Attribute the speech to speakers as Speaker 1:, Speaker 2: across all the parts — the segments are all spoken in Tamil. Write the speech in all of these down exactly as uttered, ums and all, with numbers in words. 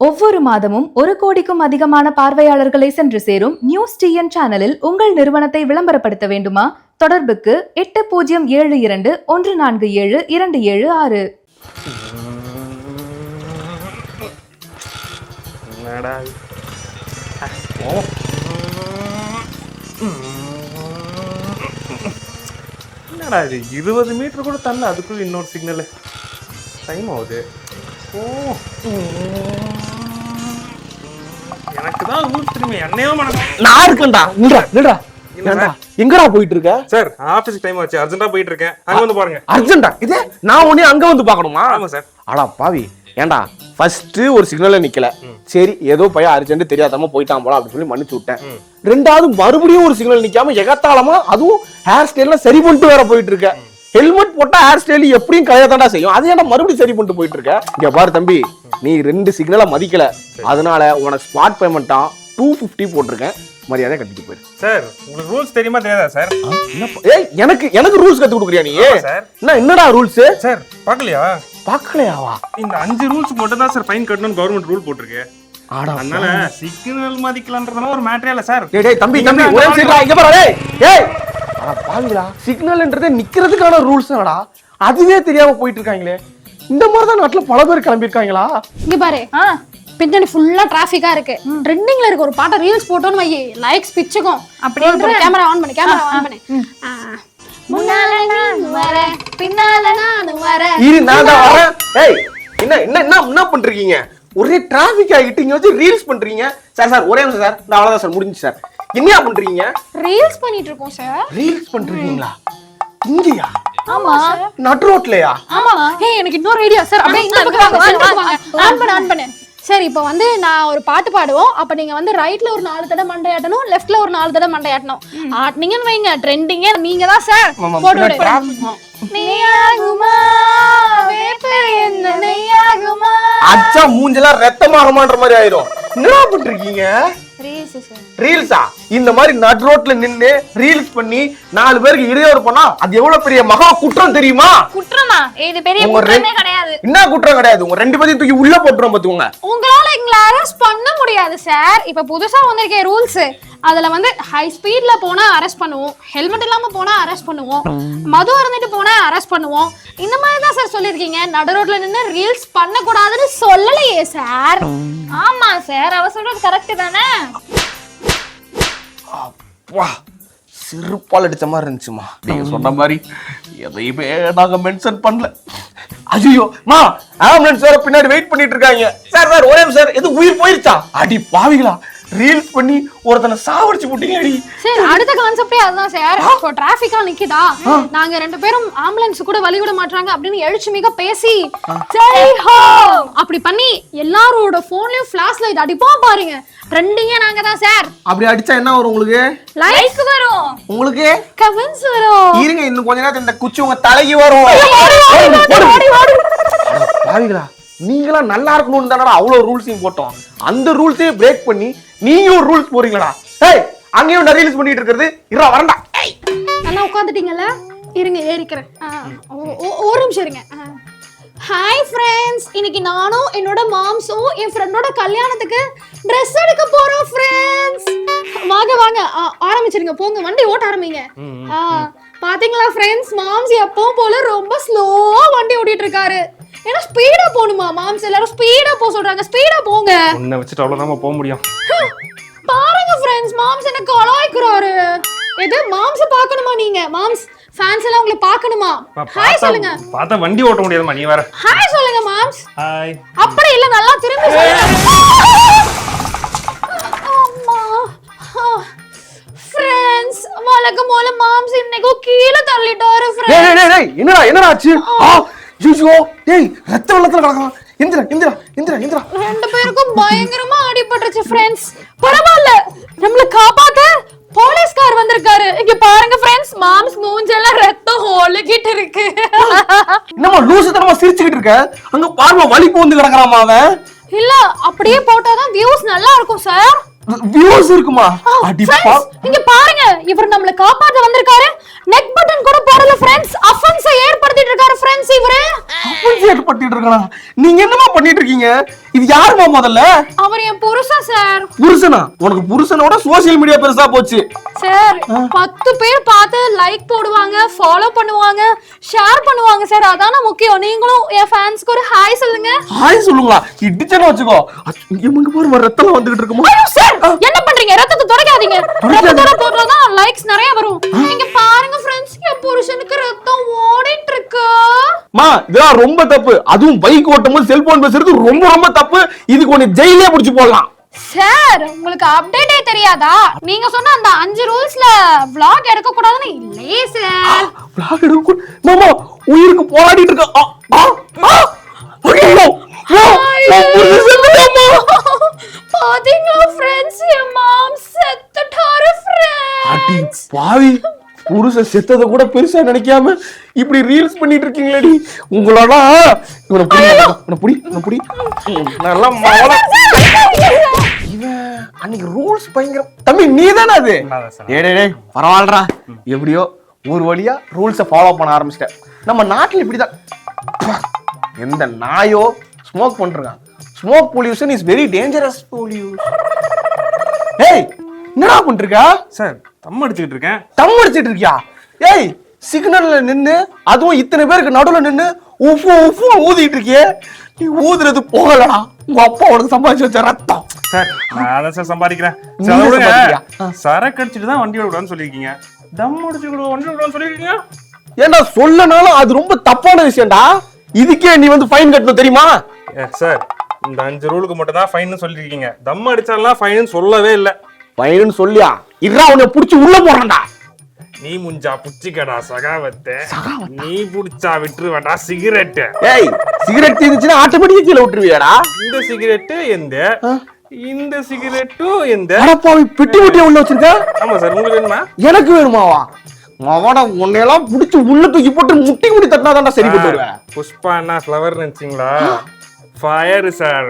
Speaker 1: ஒவ்வொரு மாதமும் ஒரு கோடிக்கும் அதிகமான பார்வையாளர்களை சென்று சேரும் நியூஸ் டிஎன் சேனலில் உங்கள் நிறுவனத்தை விளம்பரப்படுத்த வேண்டுமா? தொடர்புக்கு எட்டு பூஜ்ஜியம் ஏழு இரண்டு ஒன்று நான்கு ஏழு இரண்டு ஏழு ஆறு.
Speaker 2: என்னடா இது இருபது மீட்டர் கூட தள்ள அதுக்குள்ள இன்னொரு சிக்னல் டைம் ஆகுது. ஓ எனக்கு தான் ஊர் திரும்பி என்னையோ மனசு
Speaker 3: நான் இருக்கேன்டா. நில்றா நில்றா ஏன்டா எங்கடா போயிட்டு இருக்க?
Speaker 2: சார் ஆபீஸ் டைம் ஆச்சு, அர்ஜென்ட்டா போயிட்டு இருக்கேன். அங்க வந்து பாருங்க.
Speaker 3: அர்ஜென்ட்டா? இதே நான் உடனே அங்க வந்து பார்க்கணுமா?
Speaker 2: ஆமா சார்.
Speaker 3: அடா பாவி, ஏன்டா ஃபர்ஸ்ட் ஒரு சிக்னல்ல நிக்கல, சரி ஏதோ பையன் அர்ஜென்ட் தெரியாதமா போயிட்டான் போல அப்படின்னு சொல்லி மன்னிச்சு விட்டேன். ரெண்டாவது மறுபடியும் ஒரு சிக்னல் நிக்காம எகத்தாளமா அதுவும் ஹேர் ஸ்டைல்ல சரி பண்ணிட்டு வேற போயிட்டு இருக்க. ஹெல்மெட் போட்டா ஹேர் ஸ்டைல் எப்படியும் கலையதாண்டா செய்யும், அது ஏன்டா மறுபடியும் சரி பண்ணிட்டு போயிட்டு இருக்க? இங்க பாரு தம்பி, நீ ரெண்டு சிக்னலை மதிக்கல, அதனால உனக்கு ஸ்மார்ட் பேமெண்டா டூ பிப்டி போட்டிருக்கேன், மரியாதை கட்டிட்டு போயிரு.
Speaker 2: சார் உங்களுக்கு ரூல்ஸ் தெரியுமா தெரியாதா சார்?
Speaker 3: ஏய் எனக்கு எனக்கு ரூல்ஸ் கத்து கொடுக்குறியா நீ?
Speaker 2: சார்
Speaker 3: என்ன என்னடா ரூல்ஸ்?
Speaker 2: சார் பார்க்கலையா?
Speaker 3: பார்க்கலையாவா?
Speaker 2: இந்த அஞ்சு ரூல்ஸ் மட்டும் தான் சார் ஃபைன் கட்டணும்னு கவர்மெண்ட் ரூல் போட்டுருக்கு. அதனால சிக்னல் மதிக்கலன்றதுலாம் ஒரு மேட்டரே இல்ல சார்.
Speaker 3: டேய் டேய் தம்பி தம்பி ஒரே நிமிஷம் இங்க பாரு. டேய் ஏய் அட பாவிங்களா, சிக்னல்ன்றதே நிக்கிறதுக்கான ரூல்ஸ் தானடா, அதுவே தெரியாம போயிட்டு இருக்காங்களே. இந்த மாதிரி தான் நாட்டுல பல பேர் கிளம்பி இருக்காங்களா?
Speaker 4: இங்க பாரு, பின்னாடி ஃபுல்லா டிராஃபிக்கா இருக்கு, ட்ரெண்டிங்ல இருக்கு, ஒரு பாட்ட ரீல்ஸ் போட்டோன்னு வை, லைக்ஸ் பிச்சுக்கும். அப்படியே கேமரா ஆன் பண்ணு, கேமரா ஆன் பண்ணு. முன்னால நான் வரேன், பின்னால நான் வரேன்,
Speaker 3: இரு நான் தான் வரேன். ஏய் என்ன என்ன என்ன என்ன பண்றீங்க? ஒரே டிராஃபிக் ஆகிட்டு இங்க வந்து ரீல்ஸ் பண்றீங்க. சார் சார் ஒரே நிமிஷம் சார், நான் அவ்வளவுதான் சார், முடிஞ்சு சார். என்னையா பண்றீங்க?
Speaker 4: ரீல்ஸ் பண்ணிட்டு இருக்கோம் சார்.
Speaker 3: ரீல்ஸ் பண்றீங்களா? இங்கயா?
Speaker 4: ஆமா.
Speaker 3: நட் ரோட்லயா?
Speaker 4: ஆமா. ஏய் எனக்கு இன்னொரு ஐடியா சார். அப்படியே இந்த பக்கம் வாங்க, சென்டருக்கு வாங்க. ஆன் பண்ணு ஆன் பண்ணு. சரி இப்போ வந்து நான் ஒரு பாட்டு பாடுவோம், அப்ப நீங்க வந்து ரைட்ல ஒரு நாலு தடவை மண்டையாட்டணும், லெஃப்ட்ல ஒரு நாலு தடவை மண்டையாட்டணும். ஆட்னீங்கன்னு வைங்க, ட்ரெண்டிங்கே நீங்க தான் சார். போட்டு விடு. நீயாகுமா வேப்ப என்ன நீயாகுமா?
Speaker 3: அச்சா மூஞ்செல்லாம் ரத்தமாகுமான்ற மாதிரி ஆயிரும். என்னடா பண்றீங்க?
Speaker 4: Reels sir.
Speaker 3: ரீல்ஸா? இந்த மாதிரி நட் ரோட்ல நின்னு ரீல்ஸ் பண்ணி நாலு பேருக்கு இடையூறு பண்ணா அது எவ்வளவு பெரிய மகா குற்றம் தெரியுமா?
Speaker 4: குற்றமா? இது பெரிய குற்றமே கிடையாது.
Speaker 3: என்ன குற்றம் கிடையாது? உங்க ரெண்டு பேரையும் தூக்கி உள்ள போட்டுறோம் பாத்துக்கோங்க.
Speaker 4: உங்களால எங்களை அரெஸ்ட் பண்ண முடியாது சார். இப்ப புதுசா வந்திருக்க ரூல்ஸ், அதுல வந்து ஹை ஸ்பீட்ல போனா அரெஸ்ட் பண்ணுவோம், ஹெல்மெட் இல்லாம போனா அரெஸ்ட் பண்ணுவோம், மது அருந்திட்டு போனா அரெஸ்ட் பண்ணுவோம். இந்த மாதிரி தான் சார் சொல்லிருக்கீங்க. நடு ரோட்ல நின்னு ரீல்ஸ் பண்ண கூடாதுன்னு சொல்லலையே சார். ஆமா சார், அவ சொல்றது கரெக்ட் தானே?
Speaker 3: வா, சிறுபால் அடிச்ச மாதிரி இருந்துச்சுமா. நீங்க சொன்ன மாதிரி எதையுமே நாங்க மென்ஷன் பண்ணல. ஐயோ மா, ஆம்புலன்ஸ் வேற பின்னாடி வெயிட் பண்ணிட்டு இருக்காங்க. சார் சார் ஒரே சார், எது உயிர் போயிருச்சா? அடி பாவிகளா, ரீல்ஸ் பண்ணி ஒருத்தனை சாவடிச்சு போட்டீங்க அடி.
Speaker 4: சார் அடுத்த கான்செப்டே அதுதான் சார். இப்போ டிராஃபிக்கா நிக்குதா, நாங்க ரெண்டு பேரும் ஆம்புலன்ஸ் கூட வழி விட மாட்டாங்க அப்படின்னு எழுச்சி மிக பேசி ஜெய் ஹோ அப்படி பண்ணி எல்லாரோட போன்லயும் ஃபிளாஷ் லைட் அடிப்போம் பாருங்க. ட்ரெண்டிங்கே நாங்க தான் சார்.
Speaker 3: அப்படி அடிச்சா என்ன வரும் உங்களுக்கு?
Speaker 4: லைக் வரும்.
Speaker 3: உங்களுக்கு
Speaker 4: கமெண்ட்ஸ் வரும்.
Speaker 3: இருங்க இன்னும் கொஞ்ச நேரத்துல இந்த குச்சி உங்க தலைக்கு வரும். பாவிகளா, நீங்களா நல்லா இருக்கணும்னு தானடா அவ்வளவு ரூல்ஸையும் போட்டோம். அந்த ரூல்ஸையே பிரேக் பண்ணி நீங்க ஒரு ரூல்ஸ் போறீங்களா? ஏய் அங்கேயும் நான் ரீல்ஸ் பண்ணிட்டு இருக்கிறது இரா வரண்டா. ஏய்
Speaker 4: நல்லா உட்கார்ந்துட்டீங்கல, இருங்க ஏறிக்கிறேன். ஒரு நிமிஷம் இருங்க. ஹாய் ஃப்ரெண்ட்ஸ், இன்னைக்கு நானும் என்னோட மாம்ஸும் என் ஃப்ரெண்டோட கல்யாணத்துக்கு ட்ரெஸ் எடுக்க போறோம் ஃப்ரெண்ட்ஸ். வாங்க வாங்க ஆரம்பிச்சிருங்க, போங்க வண்டி ஓட்ட ஆரம்பிங்க. பாத்தீங்களா ஃப்ரெண்ட்ஸ், மாம்ஸ் எப்பவும் போல ரொம்ப ஸ்லோவா வண்டி ஓட்டிட்டு இருக்காரு. ஏன்னா ஸ்பீடா போணுமா மாம்ஸ், எல்லாரும் ஸ்பீடா போக சொல்றாங்க, ஸ்பீடா போங்க.
Speaker 2: உன்னை வச்சுட்டு அவ்வளவுதான் போக முடியும்.
Speaker 4: பாருங்க ஃப்ரெண்ட்ஸ், மாம்ஸ் என்ன கலாய்க்குறாரு. எது மாம்ஸ் பார்க்கணுமா நீங்க? மாம்ஸ் ஃபேன்ஸ் எல்லாம் உங்களை பார்க்கணுமா? ஹாய் சொல்லுங்க.
Speaker 2: பார்த்தா வண்டி ஓட்ட முடியாதுமா, நீ வேற.
Speaker 4: ஹாய் சொல்லுங்க மாம்ஸ்.
Speaker 2: ஹாய்.
Speaker 4: அப்படி இல்ல, நல்லா திரும்பி சொல்லுங்க. அம்மா ஃப்ரெண்ட்ஸ், வழக்கம் போல மாம்ஸ் இன்னைக்கு கீழ தள்ளிட்டாரு ஃப்ரெண்ட்ஸ்.
Speaker 3: டேய் டேய் டேய் என்னடா என்னடா ஆச்சு? ஆ ஜூஜோ டேய் ரத்த வெள்ளத்துல கிடக்குறான். இந்திரா இந்திரா இந்திரா இந்திரா
Speaker 4: ரெண்டு பேருக்கும் பயங்கரமா அடிபட்டுருச்சு ஃப்ரெண்ட்ஸ். பரவாயில்ல, நம்மள காப்பாத்த போலீஸ்கார் வந்திருக்காரு. இங்க பாருங்க ஃப்ரெண்ட்ஸ், மாம்ஸ் மூஞ்செல்லாம் ரத்தம் ஒழுகிட்டு இருக்கு.
Speaker 3: என்னமா லூசுத்தனமா சிரிச்சுக்கிட்டு இருக்க? அங்க பாருமா வலி போந்து கிடக்குறாமா அவன்.
Speaker 4: இல்ல அப்படியே போட்டாதான் வியூஸ் நல்லா இருக்கும் சார்.
Speaker 3: வியூஸ் இருக்குமா? அடிப்பா
Speaker 4: Friends, இங்க பாருங்க, இவர் நம்மள காப்பாத்த வந்திருக்காரு. நெக் பட்டன் கூட போடல ஃப்ரெண்ட்ஸ். அஃபென்ஸை ஏற்படுத்திட்டு இருக்காரு ஃப்ரெண்ட்ஸ் இவரு.
Speaker 3: அஃபென்ஸ் ஏற்படுத்திட்டு இருக்கானா? நீங்க என்னமா பண்ணிட்டு இருக்கீங்க? இது யாருமா முதல்ல?
Speaker 4: அவர் என் புருஷன் சார்.
Speaker 3: புருஷனா? உனக்கு புருஷனோட சோஷியல் மீடியா பெருசா போச்சு.
Speaker 4: சார் பத்து பேர் பார்த்து லைக் போடுவாங்க, ஃபாலோ பண்ணுவாங்க, ஷேர் பண்ணுவாங்க சார். அதான முக்கியம். நீங்களும் என் ஃபேன்ஸ்க்கு ஒரு ஹாய் சொல்லுங்க.
Speaker 3: ஹாய் சொல்லுங்களா? இடிச்சன வச்சுக்கோ. இங்க பாரு ரத்தம் வந்துகிட்டு இருக்குமா?
Speaker 4: ஐயோ சார், என்ன பண்றீங்க? ரத்தத்தை துடைக்காதீங்க. ரத்தத்தோட போடுறதா லைக்ஸ் நிறைய வரும். நீங்க பாருங்க ஃப்ரெண்ட்ஸ், என் புருஷனுக்கு ரத்தம் ஓடிட்டு இருக்கு.
Speaker 3: மா, இதெல்லாம் ரொம்ப தப்பு. அதுவும் பைக் ஓட்டும்போது செல்போன் பேசுறது ரொம்ப ரொம்ப தப்பு. இதுக்கு ஒன்னு ஜெயிலே புடிச்சு போடலாம்.
Speaker 4: சார் உங்களுக்கு அப்டேட்டே தெரியாதா? நீங்க சொன்ன அந்த அஞ்சு ரூல்ஸ்ல vlog எடுக்க கூடாதுன்னு இல்லையே சார்.
Speaker 3: vlog எடுக்க கூ- மாமா உயிருக்கு போராடிட்டு இருக்க. ஆ, ஆ, ஆ. ஐயோ, ஐயோ, நான் புருஷன் செத்துட்டாமா.
Speaker 4: பாத்தீங்களா ஃப்ரெண்ட்ஸ், என் மாம் செத்துட்டாரு
Speaker 3: அடி
Speaker 4: ஃப்ரெண்ட்ஸ்.
Speaker 3: பாவி, புருஷன் செத்ததை கூட பெருசா நினைக்காம இப்படி ரீல்ஸ் பண்ணிட்டு இருக்கீங்களேடி. உங்களோட இவனை புடி, இவனை புடி, இவனை புடி. ம், நல்லா மாவள. இவன் அன்னைக்கு ரூல்ஸ் பயங்கரம். தம்பி நீ தானே அது? டேய் டேய் டேய், பரவாயில்லடா. எப்படியோ ஒரு வழியா ரூல்ஸை ஃபாலோ பண்ண ஆரம்பிச்சிட்டேன். நம்ம நாட்டில் இப்படிதான். எந்த நாயோ ஸ்மோக் பண்றான். Smoke pollution is very dangerous pollution. ஏய், என்னடா பண்ணிருக்க?
Speaker 2: சார் தம் அடிச்சுக்கிட்டு இருக்கேன்.
Speaker 3: தம் அடிச்சிட்டு இருக்கியா? ஏய், சிக்னல்ல நின்னு அதுவும் இத்தனை பேருக்கு நடுவுல நின்னு உஃபு உஃபு ஊதிட்டு இருக்கியே. நீ ஊதுறது போகலடா. உங்க அப்பா உனக்கு சம்பாதிச்சு வச்ச ரத்தம்.
Speaker 2: சார் நான் அதான் சார் சம்பாதிக்கிறேன்.
Speaker 3: நீ
Speaker 2: சார், அதை விடுங்க.
Speaker 3: சம்பாதிக்கிறியா?
Speaker 2: சரக்கு அடிச்சுட்டு தான் வண்டி விடக்கூடாதுன்னு சொல்லியிருக்கீங்க. தம் அடிச்சு கூட வண்டி விடக்கூடாதுன்னு சொல்லியிருக்கீங்க.
Speaker 3: ஏன்டா சொல்லனாலும் அது ரொம்ப தப்பான விஷயம்டா. இதுக்கே நீ வந்து ஃபைன் கட்டணும் தெரியுமா?
Speaker 2: ஏ, சார் இந்த அஞ்சு ரூலுக்கு மட்டும் தான் ஃபைன் சொல்லியிருக்கீங்க. தம் அடிச்சாலாம் ஃபைன் சொல்லவே இல்லை.
Speaker 3: ஃபைன் சொல்லியா? இறா உன்னை புடிச்சு உள்ள போறான்டா.
Speaker 2: நீ முஞ்சா புச்சிக்கடா சகாவத்தை, நீ புடிச்சா விட்டுருவேடா சிகரெட்டு.
Speaker 3: ஏய், சிகரெட் இருந்துச்சுன்னா ஆட்டோமேட்டிக்கா கீழே விட்டுருவியாடா?
Speaker 2: இந்த சிகரெட்டு எந்த, இந்த சிகரெட்டும் எந்த.
Speaker 3: அடப்பாவி, பெட்டி பெட்டியா உள்ள வச்சிருக்க.
Speaker 2: ஆமா சார், உங்களுக்கு வேணுமா?
Speaker 3: எனக்கு வேணுமாவா? அவன உன்னையெல்லாம் புடிச்சு உள்ள தூக்கி போட்டு முட்டி முடி தட்டினாதான்டா சரி போட்டு வருவேன்.
Speaker 2: புஷ்பா அண்ணா ஃப்ளவர் நினைச்சீங்களா? Fire sir.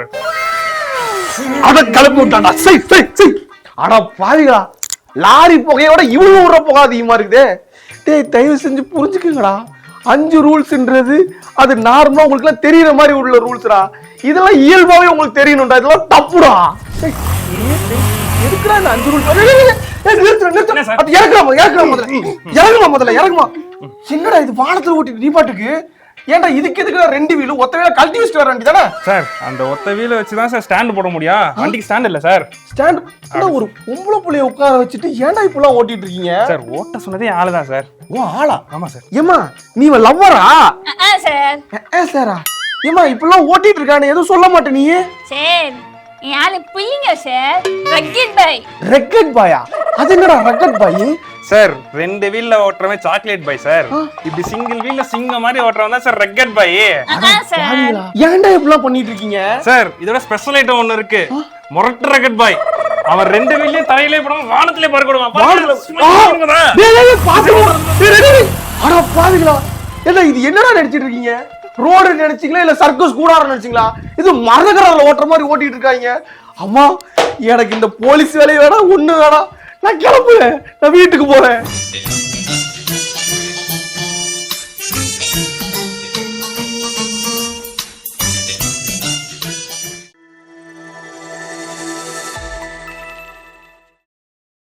Speaker 3: அத கிளப்பி விட்டான்டா. சை சை சை. அட பாவிகளா, லாரி புகையோட இவ்வளவு விடுற புகை அதிகமா இருக்குதே. டேய், தயவு செஞ்சு புரிஞ்சுக்குங்கடா. அஞ்சு ரூல்ஸ்ன்றது அது நார்மலா உங்களுக்கு எல்லாம் தெரியற மாதிரி உள்ள ரூல்ஸ்டா. இதெல்லாம் இயல்பாவே உங்களுக்கு தெரியணும்டா. இதெல்லாம் தப்புடா. டேய், எதுக்குடா இந்த அஞ்சு ரூல்ஸ்? நிறுத்துற நிறுத்துற. அது இறக்குமா இறக்குமா முதல்ல. இறங்குமா முதல்ல இறங்குமா. என்னடா இது வானத்துல ஓட்டிட்டு நீ பாட்டுக்கு? ஏன்டா இதுக்கு எதுக்குடா ரெண்டு வீலு ஒத்த வீல கழட்டி வச்சுட்டு வர வேண்டியதானே?
Speaker 2: சார் அந்த ஒத்த வீல வச்சு தான் சார் ஸ்டாண்ட் போட முடியும். வண்டிக்கு ஸ்டாண்ட் இல்ல சார்.
Speaker 3: ஸ்டாண்ட் அட ஒரு பொம்பளை புள்ளைய உட்கார வச்சுட்டு ஏன்டா இப்பெல்லாம் ஓட்டிட்டு இருக்கீங்க?
Speaker 2: சார் ஓட்ட சொன்னதே ஆளு தான் சார்.
Speaker 3: ஓ ஆளா?
Speaker 2: ஆமா சார்.
Speaker 3: ஏமா நீ லவ்வரா?
Speaker 4: சார்
Speaker 3: ஏ சாரா, ஏமா இப்பெல்லாம் ஓட்டிட்டு இருக்கானே எதுவும் சொல்ல மாட்டே நீ?
Speaker 5: சார் என் ஆளு புள்ளிங்க சார். ரக்கெட் பாய்.
Speaker 3: ரெக்கட் பாயா? அது என்னடா ரெக்கட் பாய்?
Speaker 2: சார் ரெண்டு வீல்ல ஓட்டுறவன் சாக்லேட் பாய் சார். இப்படி சிங்கிள் வீல்ல சிங்க மாதிரி ஓட்டுறவன் தான் சார் ரெக்கட் பாய்.
Speaker 5: அதான் சார்.
Speaker 3: ஏன்டா இப்பெல்லாம் பண்ணிட்டு இருக்கீங்க?
Speaker 2: சார் இதோட ஸ்பெஷல் ஐட்டம் ஒன்னு இருக்கு. முரட்டு ரெக்கட் பாய். அவன் ரெண்டு வீல்லயும் தலையிலே போடாம வானத்திலே பறக்க விடுவான்.
Speaker 3: டேய் டேய் பாத்துடா. டேய் டேய் அட பாவிகளா. ஏடா இது என்னடா நினைச்சிட்டு இருக்கீங்க? ரோடு நினைச்சீங்களா இல்ல சர்க்கஸ் கூடார நினைச்சீங்களா? இது மரகரல ஓட்டுற மாதிரி ஓட்டிட்டு இருக்காங்க. அம்மா, எனக்கு இந்த போலீஸ் வேலைய வேணா ஒண்ணு வேணா. நான் கிளம்புறேன். நான் வீட்டுக்கு போறேன்.